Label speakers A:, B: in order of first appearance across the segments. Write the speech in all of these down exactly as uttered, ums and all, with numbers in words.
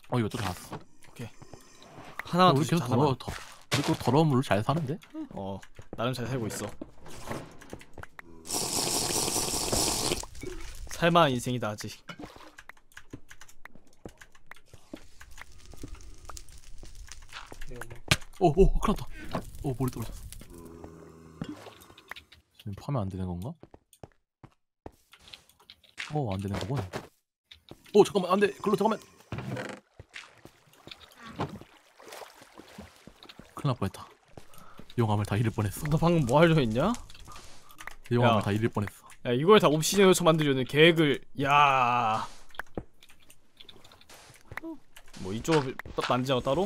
A: 어 이거 또 나왔어.
B: 오케이. 하나만 더
A: 우리
B: 주자.
A: 계속 더러워 더. 우리 또 더러운 물로 잘 사는데?
B: 어 나름 잘 살고 있어. 살만한 인생이다 아직.
A: 오오 큰일났다. 오 머리 떨어졌어. 지금 파면 안 되는 건가? 어 안 되는 거군. 오 잠깐만 안 돼. 글로 잠깐만. 큰일 날 뻔했다. 용암을 다 잃을 뻔했어.
B: 너 방금 뭐 하려 했냐?
A: 용암을
B: 야.
A: 다 잃을 뻔했어.
B: 야 이걸 다 옵시디언으로 만들려는 계획을. 야. 뭐 이쪽을 만지자고 따로?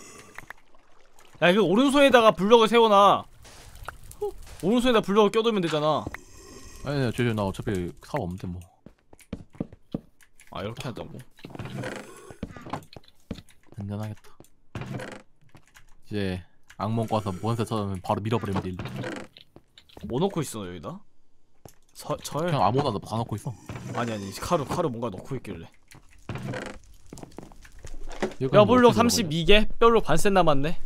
B: 야 이거 오른손에다가 블럭을 세워놔. 오른손에다 블럭을 껴두면 되잖아.
A: 아니 아니 저저 나 어차피 사업 없는데 뭐.
B: 아 이렇게 한다고?
A: 안전하겠다. 이제 악몽 꿔서 몬스터 쳐면 바로 밀어버리면 돼. 일로.
B: 뭐 넣고 있어 여기다? 서, 절?
A: 그냥 아무거나 다 넣고 있어.
B: 아니 아니 카루 카루 뭔가 넣고 있길래.
A: 여기는
B: 뼈블록
A: 뭐 어떻게
B: 삼십이 개? 뼈블록 반셋 남았네.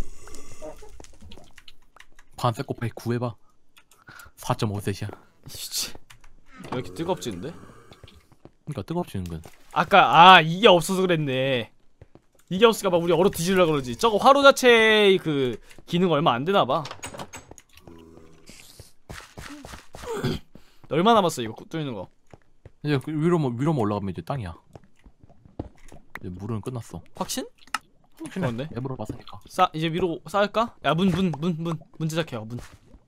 A: 반색 곱하기 구 해봐. 사 점 오 셋이야.
B: 씨. 왜 이렇게 뜨겁지는데?
A: 그러니까 뜨겁지는 건.
B: 아까 아 이게 없어서 그랬네. 이게 없으니까 막 우리 얼어 뒤지려고 그러지. 저거 화로 자체의 그 기능 얼마 안 되나봐. 얼마 남았어 이거 뚫는 거?
A: 이제 그 위로만 위로만 올라가면 이제 땅이야. 이제 물은 끝났어.
B: 확신?
A: 그런데?
B: 그런데?
A: 앱으로 봤으니까.
B: 싸 이제 위로 쌓을까? 야 문 문 문 문 문 제작해요 문.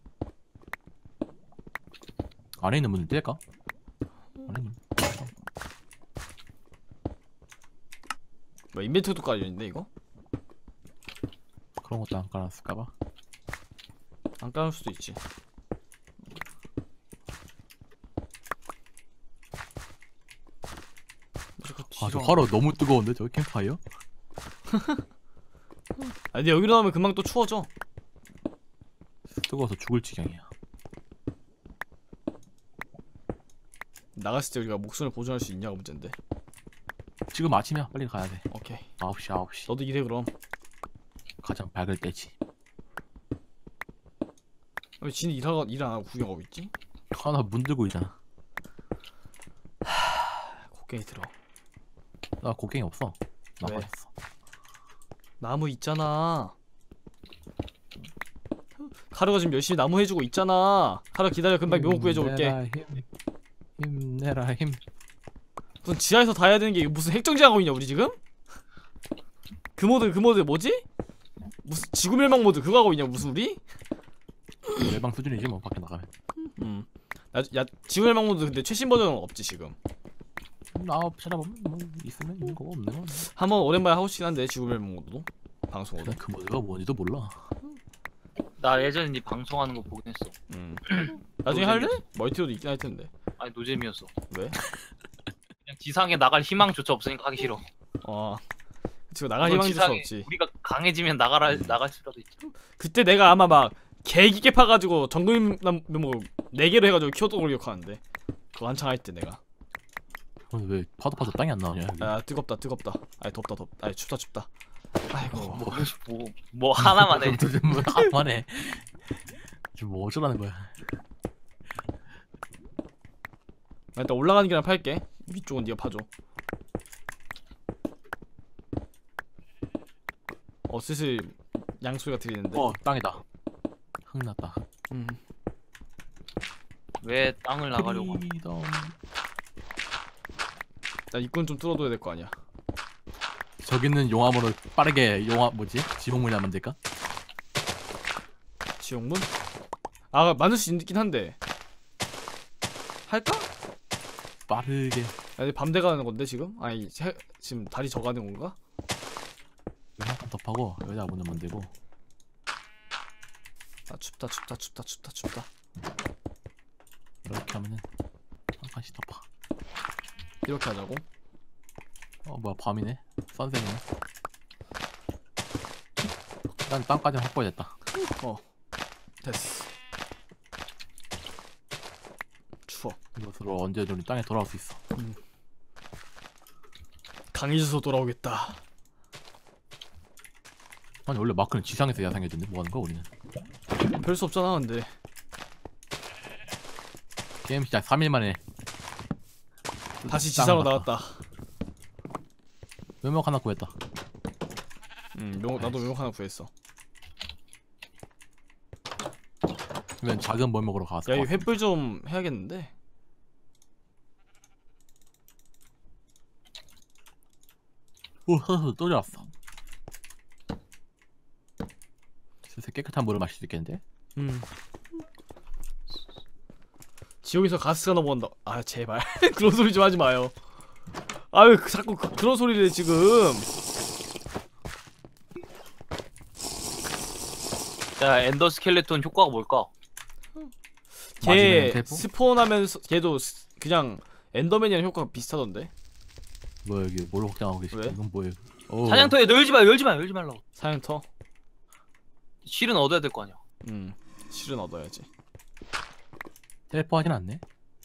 A: 안에 있는 문을 뗄까? 안에 있는.
B: 뭐 인벤토리도 깔려있는데 이거?
A: 그런 것도 안 깔았을까봐.
B: 안 깔을 수도 있지.
A: 아 저 화로 너무 뜨거운데 저기 캠프파이어?
B: 아 근데 여기로 나오면 금방 또 추워져.
A: 뜨거워서 죽을 지경이야.
B: 나갔을 때 우리가 목숨을 보존할 수 있냐가 문제인데.
A: 지금 아침이야. 빨리 가야 돼.
B: 오케이.
A: 아홉 시 아홉 시.
B: 너도 일해 그럼.
A: 가장 밝을 때지.
B: 왜 지는 일하고 일 안 하고 구경하고 있지?
A: 하나 문 들고 있잖아.
B: 곡괭이 들어.
A: 나 곡괭이 없어. 나
B: 왜?
A: 버렸어.
B: 나무 있잖아. 카루가 지금 열심히 나무 해주고 있잖아. 카루 기다려 금방 묘목 구해줘 올게.
A: 힘내라 힘. 힘내라 힘.
B: 무슨 지하에서 다 해야 되는 게 무슨 핵정지하고 있냐 우리 지금? 그 모드 그 모드 뭐지? 무슨 지구멸망 모드 그거 하고 있냐 무슨 우리?
A: 멸방 수준이지 뭐 밖에 나가면.
B: 음. 야, 야 지구멸망 모드 근데 최신 버전은 없지 지금.
A: 나 찾아보면 뭐 있으면 있는 거고 없는 거.
B: 한번 오랜만에 하고 싶긴 한데 지구멸망 모드도 방송으로.
A: 그 모드가 뭔지도 몰라.
C: 나 예전에 니 방송하는 거 보긴 했어.
B: 음. 나중에 할래? 멀티로도 있긴 할 텐데.
C: 아니 노잼이었어.
B: 왜?
C: 그냥 지상에 나갈 희망조차 없으니까 하기 싫어.
B: 어. 지금 나갈
C: 물론
B: 희망이 있을 수
C: 지상에
B: 없지.
C: 우리가 강해지면 나가라 나갈 수라도 있지.
B: 그때 내가 아마 막 개기게 파가지고 정글남 뭐 네 개로 해가지고 키웠던 걸 기억하는데. 그거 한창 할 때 내가.
A: 근데 왜 파도 파도 땅이 안 나오냐? 여기?
B: 아 뜨겁다 뜨겁다. 아이 덥다 덥다. 아이 춥다 춥다. 아이고.
C: 뭐, 뭐, 뭐 하나만 해.
A: 도대체 뭐 하나만 해. 지금 뭐 어쩌라는 거야?
B: 나 일단 올라가는 길만 팔게. 위쪽은 네가 파줘. 어 슬슬 양소리가 들리는데.
A: 어 땅이다. 흙 났다.
B: 음.
C: 왜 땅을 나가려고? 하는
A: 프리덤.
B: 나 입구는 좀 뚫어둬야 될 거 아니야.
A: 저기는 용암으로 빠르게 용암 뭐지? 지붕문이나 만들까?
B: 지옥문? 아 만들 수 있긴 한데. 할까?
A: 빠르게.
B: 아니 밤대 가는 건데 지금? 아니 해, 지금 달이 져가는 건가?
A: 한칸 더 파고 여기다 문을 만들고.
B: 아 춥다 춥다 춥다 춥다 춥다.
A: 이렇게 하면은 한 칸씩 더 파.
B: 이렇게 하자고?
A: 어 뭐야 밤이네. 선생이네. 난 땅까지 확보됐다.
B: 어 됐어. 추워.
A: 이것으로 언제든 우리 땅에 돌아올 수 있어.
B: 강해져서 돌아오겠다.
A: 아니 원래 마크는 지상에서 야생해졌는데 뭐하는 거야 우리는?
B: 별 수 없잖아 근데.
A: 게임 시작 삼 일 만에
B: 다시
A: 땅
B: 지상으로
A: 나갔다.
B: 나왔다.
A: 묘목 하나 구했다.
B: 음, 묘, 나도 묘목 하나 구했어.
A: 그러면 작은 묘목으로 가서
B: 야, 이 횃불 좀 해야겠는데.
A: 오 허허 또 잡았어. 슬슬 깨끗한 물을 마실 수 있겠는데?
B: 음. 지옥에서 가스가 넘어온다. 아 제발 그런 소리 좀 하지 마요. 아유 그, 자꾸 그, 그런 소리를 해, 지금.
C: 야 엔더 스켈레톤 효과가 뭘까?
B: 걔
A: 마지막에 대포?
B: 스폰하면서 걔도 스, 그냥 엔더맨이랑 효과가 비슷하던데.
A: 뭐 여기 뭘 확장하고 계시지?
B: 왜?
A: 이건 뭐예요? 오.
C: 사냥터에 너 열지 마 열지 마 열지 말라고.
B: 사양터.
C: 실은 얻어야 될 거 아니야.
B: 음 실은 얻어야지.
A: 텔포하진 않네.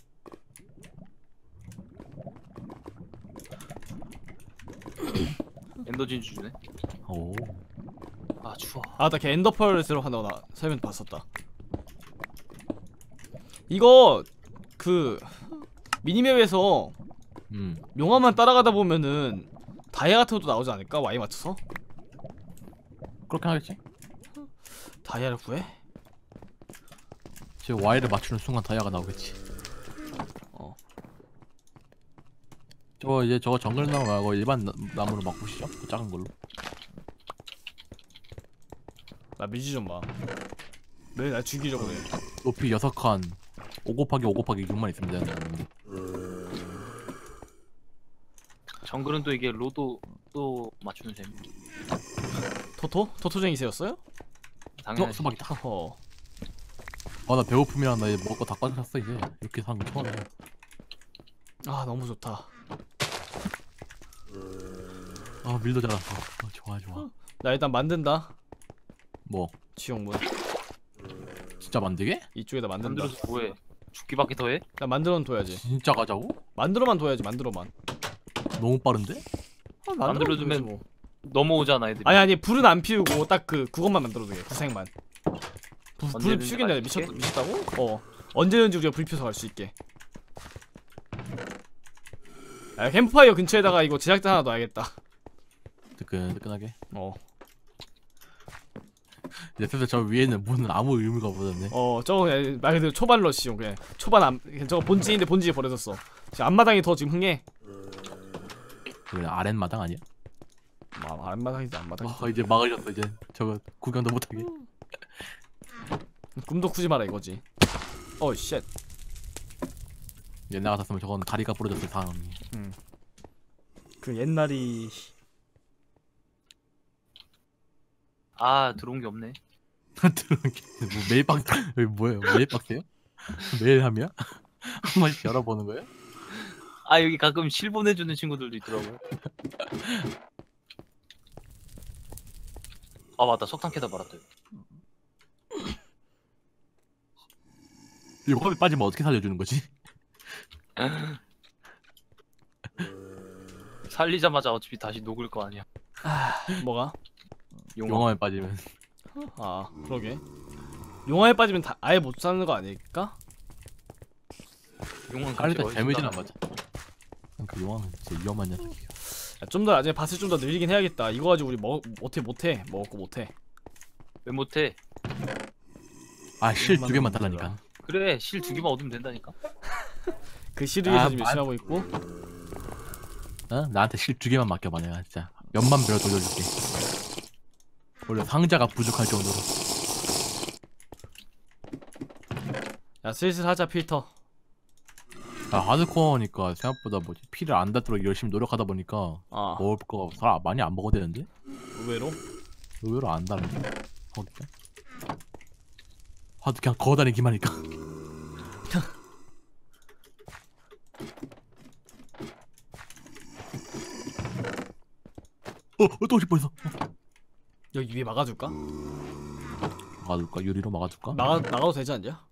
C: 엔더 진주 주네.
A: 오.
C: 아 추워.
B: 아나 걔 엔더펄 들어간다고 나 설명 봤었다. 이거 그 미니맵에서
A: 음.
B: 용암만 따라가다 보면은 다이아 같은 것도 나오지 않을까? 와이 맞춰서?
A: 그렇게 하겠지?
B: 다이아를 구해?
A: 지금 Y를 맞추는 순간 다이아가 나오겠지.
B: 어.
A: 저거 이제 저거 정글 나무 말고 일반 나, 나무로 바꾸시죠? 그 작은 걸로.
B: 나 밀지 좀 마. 왜 날 죽이려고 그래?
A: 높이 여섯 칸 오 곱하기 오 곱하기 육만 있으면 되는데.
C: 정글은 또 이게 로도 또 맞추는 재미.
B: 토토? 토토쟁이세였어요?
A: 어?
C: 당연하지.
A: 수박이다.
B: 어.
A: 아 나 배고픔이랑 나 이제 먹을 거 다 빠졌어 이제. 이렇게 사는 거 처음이야.
B: 아 너무 좋다.
A: 아 밀도 잘랐어. 어, 좋아 좋아.
B: 나 일단 만든다.
A: 뭐
B: 지옥문.
A: 진짜 만들게?
B: 이쪽에다 만든다.
C: 만들어서 뭐해? 죽기밖에 더해?
B: 나 만들어만 둬야지.
A: 진짜 가자고?
B: 만들어만 둬야지. 만들어만.
A: 너무 빠른데?
B: 아,
C: 만들어 두면
B: 뭐.
C: 넘어오잖아 애들이.
B: 아니 아니 불은 안 피우고 딱 그 그것만 만들어두게. 구색만. 불 불
C: 언제든지
B: 피우겠냐?
C: 갈 수
B: 미쳤
C: 있게?
B: 미쳤다고? 어. 언제든지 우리가 불 피워서 갈 수 있게. 야, 캠프파이어 근처에다가 이거 제작대 하나 놔야겠다.
A: 뜨끈뜨끈하게.
B: 어.
A: 이제 슬슬 저 위에는 문은 아무 의미가 없어졌네.
B: 어, 저거 그냥 말 그대로 초반 러시용 그냥 초반 안 그냥 저거 본진인데 본진이 버려졌어. 지금 앞마당이 더 지금 흥해.
A: 그 아랫마당 아니야?
B: 아, 앞마당이지 앞마당.
A: 아 이제 막으셨어 이제. 저거 구경도 못하게.
B: 꿈도 꾸지 마라 이거지. 어, 쉣.
A: 옛날 같았으면 저건 다리가 부러졌을 상황이.
B: 그 옛날이
C: 아 들어온 게 없네.
A: 들어온 게 뭐 매일 박 여기 뭐예요? 매일 박스요? 매일 함이야? 한 번씩 열어보는 거예요?
C: 아 여기 가끔 실 보내주는 친구들도 있더라고요. 아 맞다 석탄 캐다 말았다.
A: 이거 컵에 빠지면 어떻게 살려주는 거지?
C: 살리자마자 어차피 다시 녹을 거 아니야.
B: 뭐가?
C: 용암.
A: 용암에 빠지면
B: 아, 그러게. 용화에 빠지면 다 아예 못 사는 거 아닐까?
C: 용암
A: 살릴 때
C: 그렇게
A: 데미지는 안
C: 멋있다.
A: 맞아. 그 용암은 진짜 위험한 녀석이야.
B: 좀 더 나중에 밭을 좀 더 늘리긴 해야겠다. 이거 가지고 우리 먹 못해 못해 먹었고 못해.
C: 왜 못해?
A: 아실 두 개만
B: 만들어.
A: 달라니까.
C: 그래 실 두 개만 얻으면 된다니까.
B: 그 시를 위해서
A: 아,
B: 지금
A: 맞-
B: 열심히 하고 있고.
A: 어? 나한테 실 두 개만 맡겨봐 내가 진짜 몇만 배로 돌려줄게. 원래 상자가 부족할 정도로.
B: 야, 슬슬 하자 필터.
A: 아 하드코어니까 생각보다 뭐지 피를 안 닿도록 열심히 노력하다 보니까
B: 아,
A: 먹을 거 잘 많이 안 먹어도 되는데
B: 의외로.
A: 의외로 안 닿는데. 거기가 하도 그냥 거다니기만 하니까. 어, 또 오실 뻔했어.
B: 여기 위에 막아줄까?
A: 막아줄까? 유리로 막아줄까?
B: 나가 나가도 되지 않냐?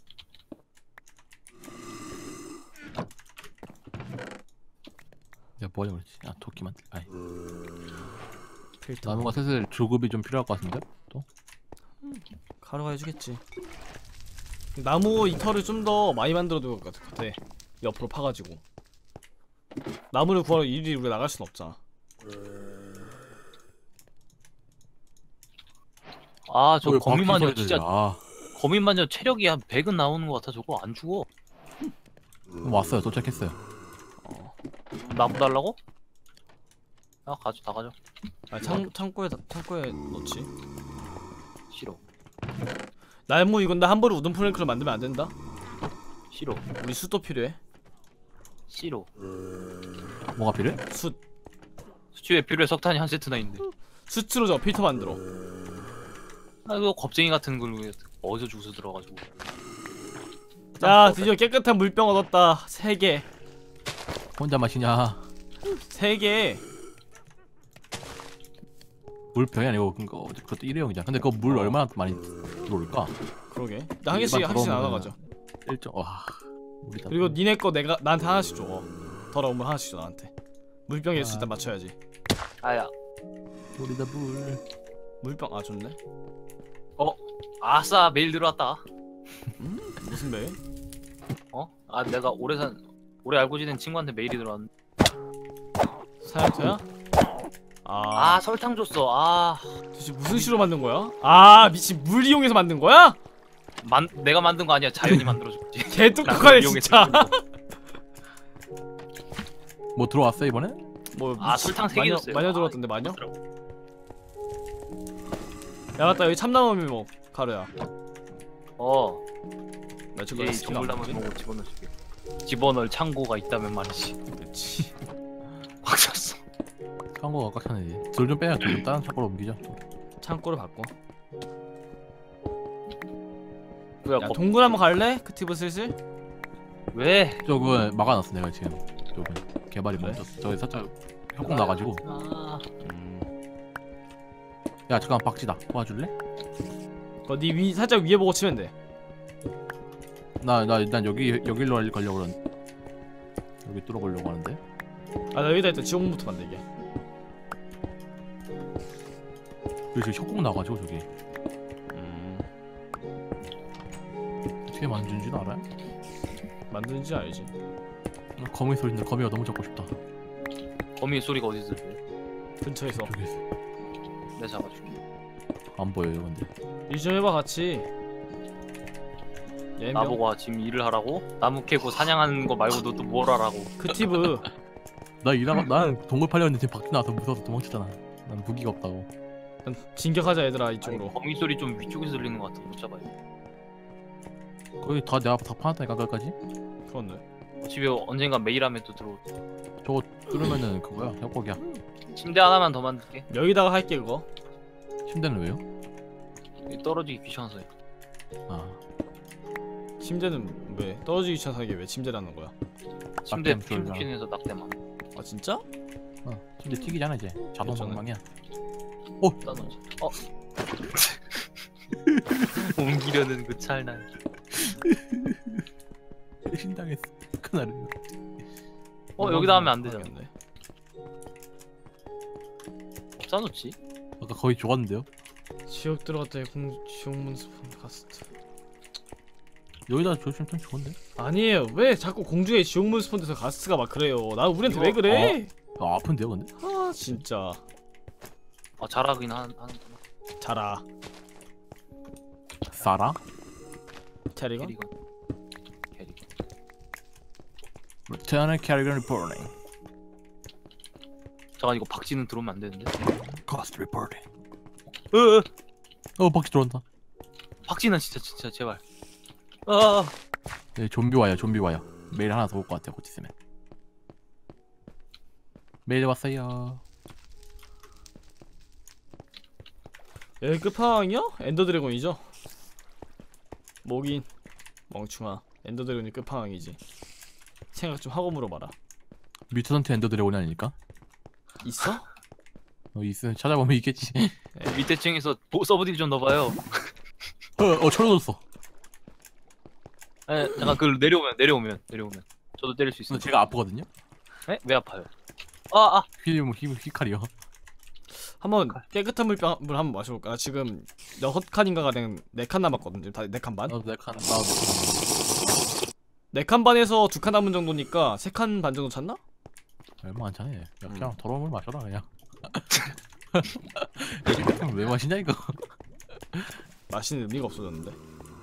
A: 야, 뭐하려고 그랬지? 아 토끼만. 아이.
B: 필터.
A: 나무가 슬슬 조급이 좀 필요할 것 같은데? 또?
B: 가루가 해주겠지. 나무 이 털을 좀 더 많이 만들어둘 것 같아. 옆으로 파가지고. 나무를 구하러 일일이 우리가 나갈 순 없잖아.
C: 아, 저
A: 왜
C: 거미
A: 바퀴
C: 마녀
A: 소리
C: 진짜
A: 들려? 아
C: 거미 마녀 체력이 한 백은 나오는 것 같아. 저거 안 죽어.
A: 왔어요. 도착했어요.
C: 나무 달라고? 아, 가져, 다 가져.
B: 아, 창 창고에 다- 창고에 넣지.
C: 싫어,
B: 나무 이건 나 함부로 우든 플랭크를 만들면 안 된다.
C: 싫어,
B: 우리 숯도 필요해.
C: 싫어.
A: 뭐가 필요해?
B: 숯.
C: 수치에 필요해. 석탄이 한 세트나 있는데.
B: 숯으로 저 필터 만들어.
C: 아, 이거 겁쟁이 같은 걸 왜 어디서 주워 들어가지고.
B: 야, 드디어 깨끗한 물병 얻었다. 세 개.
A: 혼자 마시냐?
B: 세 개.
A: 물병이 아니고 그거 그것도 일회용이잖아. 근데 그거 물 얼마나 많이 들어올까?
B: 그러게. 나 한 개씩 한 개씩 나눠 가져.
A: 일정 와. 우리 다
B: 그리고 니네 거 내가 나한테 하나씩 줘. 더러우면 하나씩 줘 나한테. 물병에
A: 아.
B: 일단 맞춰야지.
C: 아야,
A: 우리 다 물.
B: 물병 아 좋네.
C: 아싸, 메일 들어왔다.
B: 무슨 매?
C: 어? 아, 내가 오래 산 오래 알고 지낸 친구한테 메일이 들어왔는데.
B: 사양터야? 아,
C: 아, 설탕 줬어. 아,
B: 도대체 무슨 시로 만든 거야? 아 미친 물 이용해서 만든 거야?
C: 만 내가 만든 거 아니야. 자연이 만들어줬지.
B: 개똑똑하네 진짜.
A: 뭐 들어왔어 이번에?
B: 뭐
C: 아,
B: 미친-
C: 설탕 세 개
B: 마녀-
C: 줬어요.
B: 마녀
C: 아,
B: 들어왔던데 마녀?
C: 그렇더라고.
B: 야 맞다 여기 참나무미 뭐 가루야.
C: 어,
B: 나 저거
C: 이
B: 스킬 안
C: 정글나무
B: 보지?
C: 보고 집어넣을게. 집어넣을 창고가 있다면 말이지.
B: 그렇지.
C: 확 샀어.
A: 창고가 꽉차네. 돌 좀 빼야 돌좀 다른 창고로 옮기자.
B: 창고를 바꿔.
C: 뭐야,
B: 야
C: 거,
B: 동굴 한번 갈래? 크티브 슬슬?
C: 왜?
A: 저거 막아놨어 내가 지금. 저거 개발이
B: 그래?
A: 멈췄어. 저기 살짝 협곡 나가지고.
C: 아,
B: 음.
A: 야 잠깐 박지다. 도와줄래?
B: 너니 위 살짝 위에 보고 치면 돼.
A: 나 나 일단 여기 여기로 가려고 그러는. 여기 뚫어보려고 하는데.
B: 아 나 여기다 일단 지옥문부터 만들게.
A: 여기 지금 협곡 나가지고 저기.
B: 음.
A: 어떻게 만드는지도 알아요?
B: 만드는지 알지.
A: 거미 소리인데 거미가 너무 잡고 싶다.
C: 거미 소리가 어디서 들려?
B: 근처에서.
A: 저기 있어.
C: 내가 잡아줄게.
A: 안 보여요 근데.
B: 일 좀 해봐 같이. 네 명.
C: 나보고 지금 일을 하라고? 나무 캐고 사냥하는 거 말고 너 또 뭘 하라고?
B: 크티브.
A: 나 일하고 나는 동굴 팔렸는데 지금 밖에 나와서 무서워서 도망쳤잖아. 난 무기가 없다고.
B: 일단 진격하자 얘들아
C: 아니,
B: 이쪽으로.
C: 거미 소리 좀 위쪽에서 들리는 것 같아. 못 잡아요.
A: 거기 다 내가 다 파놨다니까 까지.
B: 그렇네.
C: 집에 언젠가 메일 하면 또 들어올 때.
A: 저거 뚫으면은 그거야 협곡이야.
C: 침대 하나만 더 만들게.
B: 여기다가 할게 그거.
A: 침대는 왜요?
C: 여기 떨어지기 귀찮아서요.
A: 아
B: 침대는 왜 떨어지기 귀찮아서 이게 왜 침대라는 거야?
C: 침대
A: 낙뎀 쫄잖아.
C: 핑크킨에서 낙대만
B: 아 진짜?
A: 어, 침대 튀기잖아 이제. 자동
B: 괜찮아.
A: 방망이야.
C: 따놓지. 어. 옮기려는 그 찰나.
A: 신당했어. 그날은.
C: 어, 여기다 하면 안 되잖아.
B: 모르겠네.
C: 싸놓지?
A: 아까 거의 좋았는데요?
B: 지옥 들어갔다 공 지옥문 스폰 가스트.
A: 여기다 조심 좀 좋은데?
B: 아니에요. 왜 자꾸 공중에 지옥문 스폰돼서 가스가 막 그래요. 나 우리한테
C: 이거-
B: 왜 그래?
A: 아 아픈데요 근데?
B: 아 진짜.
C: 아, 잘하긴 하, 하는구나.
B: 자라.
A: 싸라?
B: 캐리건?
C: 캐리건. 캐리건.
A: Return Carrigan Reporting.
C: 잠깐, 이거 박쥐는 들어오면 안 되는데.
A: Cost Reporting.
C: 으,
A: 어 박쥐 들어온다.
C: 박쥐는 진짜 진짜 제발. 아,
A: 네, 좀비 와요 좀비 와요. 메일 하나 더 올 것 같아요 곧 있으면. 메일 왔어요.
B: 여기 끝판왕이요? 엔더 드래곤이죠? 뭐긴 멍충아. 엔더 드래곤이 끝판왕이지. 생각 좀 하고 물어봐라.
A: 뮤턴트 엔더 드래곤이 아닐까?
B: 있어?
A: 어 있으면 찾아보면 있겠지.
C: 밑에 층에서 보, 서브딜 좀 넣어봐요.
A: 어, 어 철없어.
C: 에, 잠깐 그 내려오면 내려오면 내려오면 저도 때릴 수
A: 근데
C: 있어요.
A: 제가 아프거든요.
C: 에? 왜 아파요? 아, 아.
A: 휘, 휘, 휘칼이요.
B: 한번 깨끗한 물병 물 한번 마셔볼까? 나 지금 여섯 칸인가가 된 네 칸 남았거든. 지금 다 네 칸 반.
A: 나도 내 칸, 나도 내 칸.
B: 네 칸 반에서 두 칸 남은 정도니까 세 칸 반 정도 찼나?
A: 얼마 안 차네. 야, 그냥
B: 음.
A: 더러운 물 마셔라 그냥. 여기 같은 왜 마시냐 이거?
B: 마시는 의미가 없어졌는데.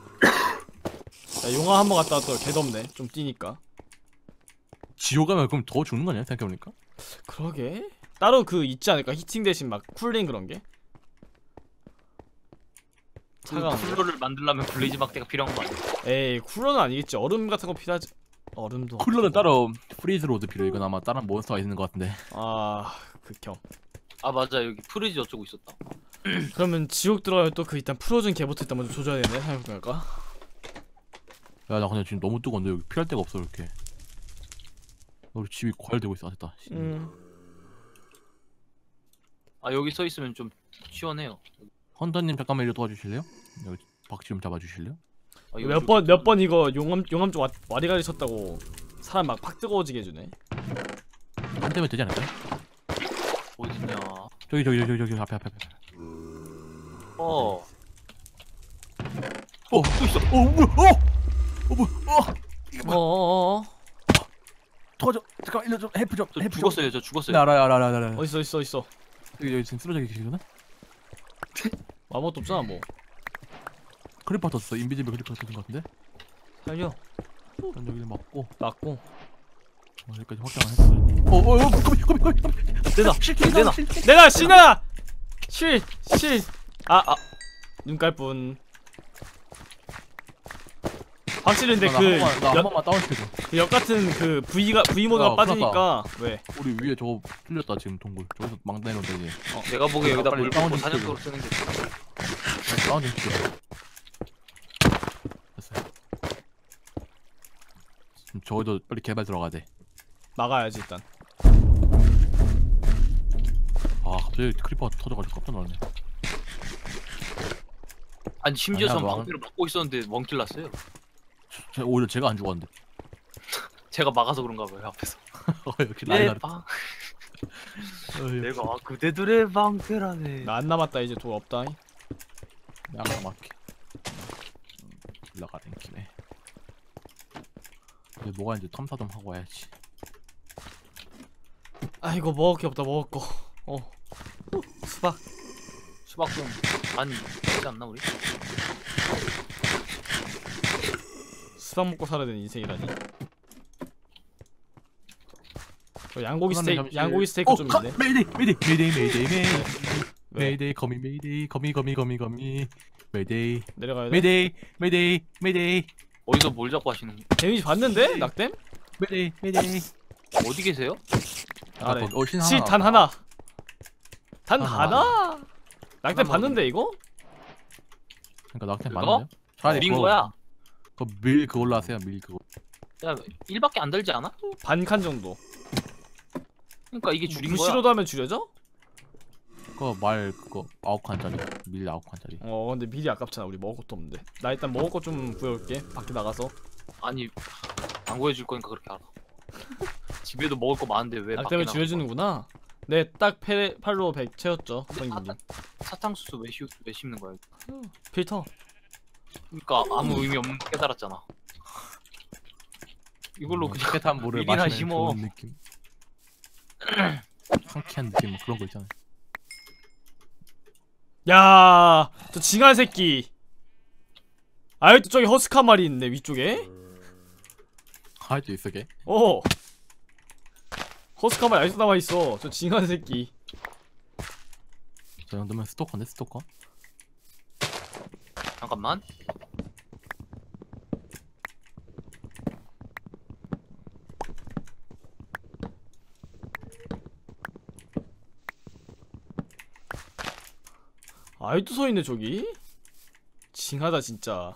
B: 야, 용화 한번 갔다 왔더니 개덥네. 좀 뛰니까.
A: 지옥 가면 그럼 더 죽는 거 아니야 생각해보니까?
B: 그러게. 따로 그 있지 않을까? 히팅 대신 막 쿨링 그런 게.
C: 그
B: 차가운 거.
C: 쿨러를 만들려면 블레이즈 막대가 필요한 거 아니야?
B: 에이 쿨러는 아니겠지. 얼음 같은 거 필요하지. 얼음도.
A: 쿨러는 따로 프리즈 로드 필요해. 이건 아마 다른 몬스터가 있는 것 같은데.
B: 아 극혐.
C: 아 맞아 여기 프리즈 어쩌고 있었다.
B: 그러면 지옥 들어가면 또 그 일단 프로즌 개부터 일단 먼저 조져야 되네. 생각해볼까?
A: 야 나 근데 지금 너무 뜨거운데 여기 피할 데가 없어 이렇게. 우리 집이 과열되고 있어. 아, 됐다.
B: 음.
C: 아 여기 서 있으면 좀 시원해요.
A: 헌터님 잠깐만 이리 도와주실래요? 여기 박쥐 좀 잡아주실래요?
C: 아, 이거
B: 몇 번 몇 번 이거 용암 용암 쪽 와- 와리가리 쳤다고 사람 막 팍 뜨거워지게 해주네.
A: 한 대면 되지 않을까요?
C: 어딨냐?
A: 저기 저기 저기 저기 앞에 앞에 앞에.
C: 어.
A: 어, 또 있어. 어, 뭐야? 어, 어, 뭐야? 어, 이거 뭐야?
B: 어어어.
A: 도와줘. 잠깐 일로 좀 헬프 좀.
C: 저
A: 헬프 좀.
C: 죽었어요. 저 죽었어요.
A: 나 알아 알아 알아 알아.
B: 어딨어 있어 있어.
A: 여기 여기 지금 쓰러져 계시구나.
B: 아무것도 없잖아 뭐.
A: 크리퍼 떴어. 인비지블 크리퍼 떴는 것 같은데.
B: 살려.
A: 그럼 여기를 막고
B: 맞고.
A: 어, 여기까지 확장을 했어. 어, 어, 어, 거미 거미 거미 거미.
C: 내놔. 내놔.
B: 내가 신아. 실 실. 아 아. 눈깔뿐. 확실히 근데
A: 나
B: 그
A: 한 번만, 나한
B: 역,
A: 번만 다운시켜줘.
B: 그 역 같은 그 V가 V 모드가
A: 야,
B: 빠지니까 왜?
A: 우리 위에 저거 뚫렸다 지금 동굴. 저기서 막 내려온다 이제.
C: 내가 보기에 여기다
A: 빨리
C: 물
A: 다운
C: 붓고
A: 좀
C: 사냥터로 쓰는 게 좋아.
A: 다운 좀 시켜. 됐어. 지금 저기도 빨리 개발 들어가야 돼.
B: 막아야지 일단.
A: 아 갑자기 크리퍼가 터져가지고 깜짝 놀랐네.
C: 아니 심지어
A: 아니야,
C: 전
A: 너 안-
C: 방패를 막고 있었는데 멍킬 났어요.
A: 저, 오히려 제가 안 죽었는데.
C: 제가 막아서 그런가 봐요 앞에서.
A: 어, 역시 라이나.
C: 내 방,
A: 어,
C: 내가 아, 그대들의 방패라네.
B: 나 안 남았다 이제 돈 없다.
A: 양가 막게. 올라가는 김에. 이제 뭐가 이제 탐사 좀 하고 와야지.
B: 아 이거 먹을 게 없다 먹을 거. 어. 수박.
C: 수박 좀 많이 있지 않나 우리?
B: 수박 먹고 살아야 되는 인생이라니. 저 양고기
A: 하나는
B: 스테이크
A: 잠시-
B: 양고기 스테이크
A: 어,
B: 좀
A: 가-
B: 있네.
A: 메이데이 메이데이 메이데이 메이데이 메이데이
B: 왜?
A: 메이데이 거미 메이데이 거미 거미 거미 거미 메이데이
B: 내려가야 돼?
A: 메이데이 메이데이 메이데이
C: 어디서 뭘 잡고 하시는 거?
B: 데미지 봤는데? 낙댐?
A: 메이데이 메이데이.
C: 어디 계세요?
B: 아래.
A: 어, 신
B: 시 단 하나. 단
A: 하나.
B: 하나? 낙댐
C: 하나만
B: 봤는데 이거?
A: 그러니까 낙템
C: 그거?
A: 맞는데요? 차라리
C: 우린
A: 그거-
C: 거야.
A: 그거 밀 그걸로 하세요 밀 그거.
C: 야 일밖에 안 들지 않아?
B: 반 칸 정도.
C: 그러니까 이게 줄인 거야.
B: 부시로도 하면 줄여져?
A: 그거 말 그거 아홉 칸짜리 밀 아홉 칸짜리.
B: 어 근데 미리 아깝잖아. 우리 먹을 것도 없는데. 나 일단 먹을 거 좀 구해올게. 밖에 나가서.
C: 아니 안 구해줄 거니까 그렇게 알아. 집에도 먹을 거 많은데 왜 밖에
B: 낙댐을
C: 나가?
B: 줄여주는구나. 네, 딱 팔로 백 채웠죠. 선생님.
C: 사탕수수 왜, 씌우, 왜 씹는 거야?
B: 필터.
C: 그러니까 아무 의미 없는 거 깨달았잖아. 이걸로 그냥
A: 깨끗한 물을
C: 밀이나
A: 마시는
C: 심어.
A: 좋은 느낌. 상쾌한 느낌 뭐 그런 거 있잖아.
B: 야, 저 징한 새끼. 아직도 저기 허스카 말이 있네 위쪽에.
A: 아직도 있어 걔.
B: 어. 허스카 말이 아직도 남아 있어. 저 징한 새끼.
A: 저 정도면 스토커인데 스토커?
C: 잠깐만.
B: 아직도 서 있네 저기. 징하다 진짜.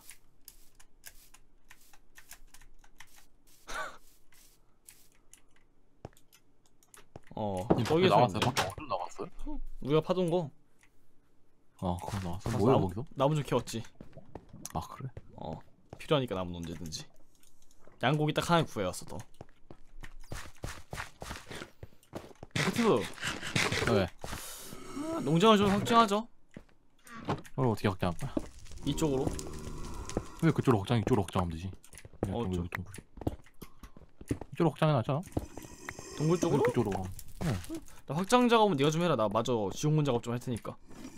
B: 어,
A: 밖에
B: 저기 서
A: 나왔어요.
B: 있네.
A: 밖에 어디로 나왔어요?
B: 우리가 파던 거.
A: 어 그거 나왔어.
B: 가서
A: 뭐야
B: 나무,
A: 거기서?
B: 나무 좀 캐웠지.
A: 아 그래?
B: 어, 필요하니까 나무 언제든지. 양고기 딱 하나 구해왔어 더. 카트브
A: 왜?
B: 아, 농장을 좀 확장하죠.
A: 그걸 어떻게 확장할 거야?
B: 이쪽으로.
A: 왜 그쪽으로 확장 이쪽으로 확장하면 되지? 그냥
B: 어,
A: 동굴,
B: 저-
A: 동굴. 이쪽으로 확장해 놨잖아.
B: 동굴
A: 왜
B: 쪽으로?
A: 그쪽으로?
B: 나 확장 작업은 네가 좀 해라. 나 마저 지옥문 작업 좀 할 테니까.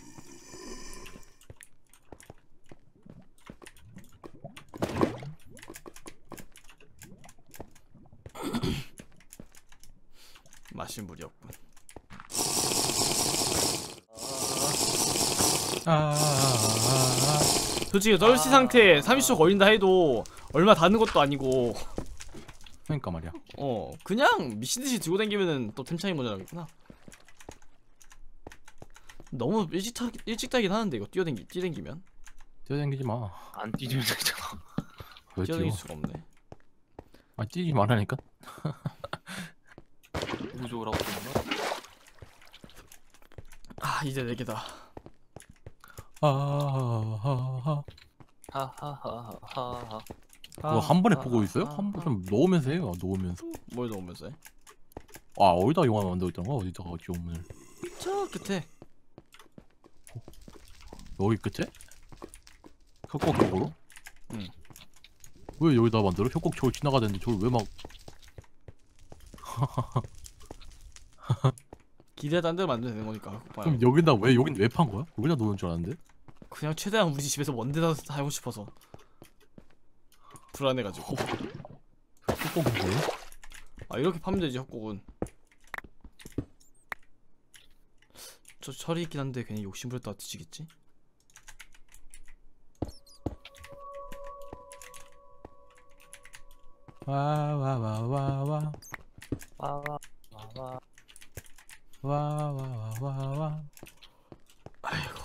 B: 마실 물이 없군.
A: 아, 아, 아, 아.
B: 솔직히 떨시 상태에 삼십 초 걸린다 해도 얼마 닿는 것도 아니고
A: 그러니까 말이야.
B: 어 그냥 미친듯이 들고 다니면은 또 템 차이 모자라겠구나. 너무 일찍 타, 일찍 타긴 하는데 이거 뛰어댕기 뛰댕기면
A: 뛰어다니지 마.
C: 안 뛰면 되잖아.
A: 왜 뛰어?
B: 뛰어댕길 수가 없네.
A: 아 뛰지 말라니까.
C: 우조라고 그러나?
B: 아 이제 네 개다.
A: 아, 아, 아, 아.
C: 하하하하하.
A: 그거 한 번에 보고 있어요? 한 번 좀 넣으면서 해요. 넣으면서.
B: 뭘 넣으면서 해?
A: 아 어디다 영화 만들고 있던 거야? 어디다가 지옥문을?
B: 저 끝에.
A: 여기 끝에? 협곡 쪽으로?
B: 응.
A: 왜 여기다 만들어? 협곡 저기 지나가는데 저걸 왜 막?
B: 기대 딴 데로 만들면 되는 거니까.
A: 그럼 여기다 왜 여긴 왜 판 거야? 여기다 놓은 줄 알았는데?
B: 그냥 최대한 우리 집에서 먼 데다 살고 싶어서 불안해가지고.
A: 협곡인 거예요?
B: 아 이렇게 파면 되지 협곡은. 저 철이 있긴 한데 괜히 욕심 부렸다가 뒤지겠지?
A: 와와와와와
C: 와와와와.
A: 와와와와와.
B: 아이고.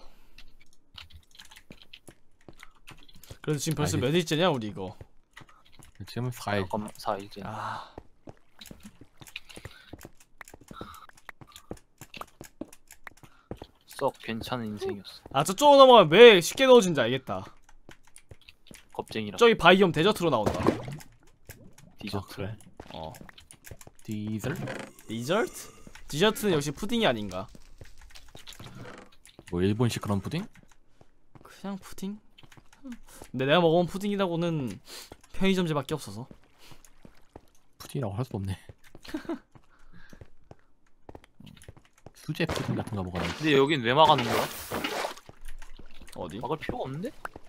B: 그래서 지금 벌써
A: 아, 이게-
B: 몇 일째냐 우리 이거.
A: 지금 사 일.
C: 잠깐만 사 일째.
B: 아
C: 썩 괜찮은 인생이었어.
B: 아 저쪽으로 넘어가면 왜 쉽게 넣어진지 알겠다.
C: 겁쟁이라.
B: 저기 바이옴 데저트로 나온다.
C: 디저트.
A: 아, 그래?
B: 어
A: 디젤?
B: 디저트? 디저트는 역시 푸딩이 아닌가.
A: 뭐 일본식 그런 푸딩?
B: 그냥 푸딩? 근데 내가 먹어본 푸딩이라고는 편의점제밖에 없어서.
A: 푸딩이라고 할 수 없네. 수제 푸딩 같은 거 먹어야 돼.
C: 근데 여긴 왜 막아놓은 거야?
B: 어디?
C: 막을 필요가 없는데?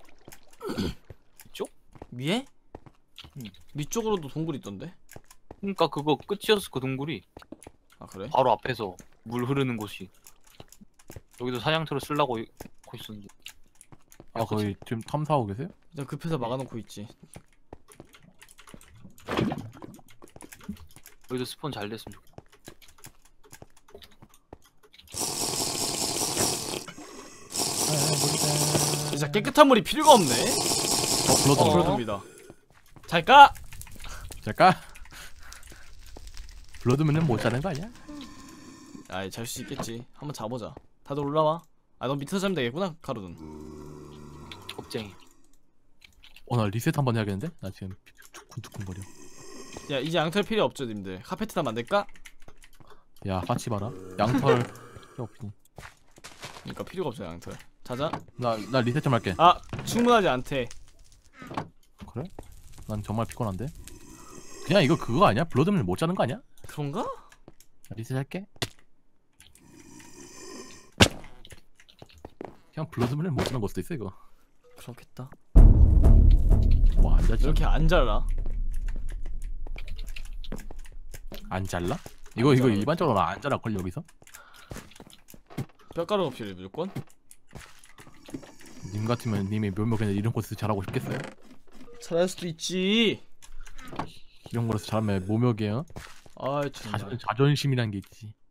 B: 위에?
C: 응.
B: 위쪽으로도 동굴 있던데?
C: 그러니까 그거 끝이었어 그 동굴이.
B: 아 그래?
C: 바로 앞에서 물 흐르는 곳이. 여기도 사냥터를 쓰려고 이- 하고 있었는데.
A: 아 거기 지금 탐사하고 계세요?
B: 일단 급해서 막아놓고 있지.
C: 여기도 스폰 잘 됐으면 좋겠다.
B: 진짜 깨끗한 물이 필요가 없네.
A: 어 블러드
C: 어.
B: 블러드입니다. 잘 까!
A: 잠깐. 블러드면은 못 자는 거 아니야?
B: 아이 잘 수 있겠지. 한번 자보자. 다들 올라와. 아 너 밑에서 자면 되겠구나 카루는.
C: 겁쟁이.
A: 어나 리셋 한번 해야겠는데? 나 지금 두근두근거려.
B: 야 이제 양털 필요 없죠 님들. 카페트나 만들까?
A: 야 같이 봐라. 양털 필요 없니?
B: 그러니까 필요가 없죠 양털. 자자.
A: 나나 리셋 좀 할게.
B: 아 충분하지 않대.
A: 그래? 난 정말 피곤한데. 그냥 이거 그거 아니야? 블러드면 못 자는 거 아니야?
B: 그런가?
A: 리셋 할게. 그냥 블러드면 못 자는 걸 수도 있어 이거.
B: 그렇겠다.
A: 와 안 자지?
B: 이렇게 안 잘라.
A: 안 잘라? 이거
B: 안
A: 이거
B: 잘라.
A: 일반적으로 안 잘라 걸 여기서?
B: 뼈가루가 필요해 무조건.
A: 님 같으면 님이 묘목에 이런 곳에서 잘하고 싶겠어요?
B: 잘할 수도 있지.
A: 이런 거에서 잘하면 모욕이에요.
B: 아 정말.
A: 자존, 자존심이란 게 있지.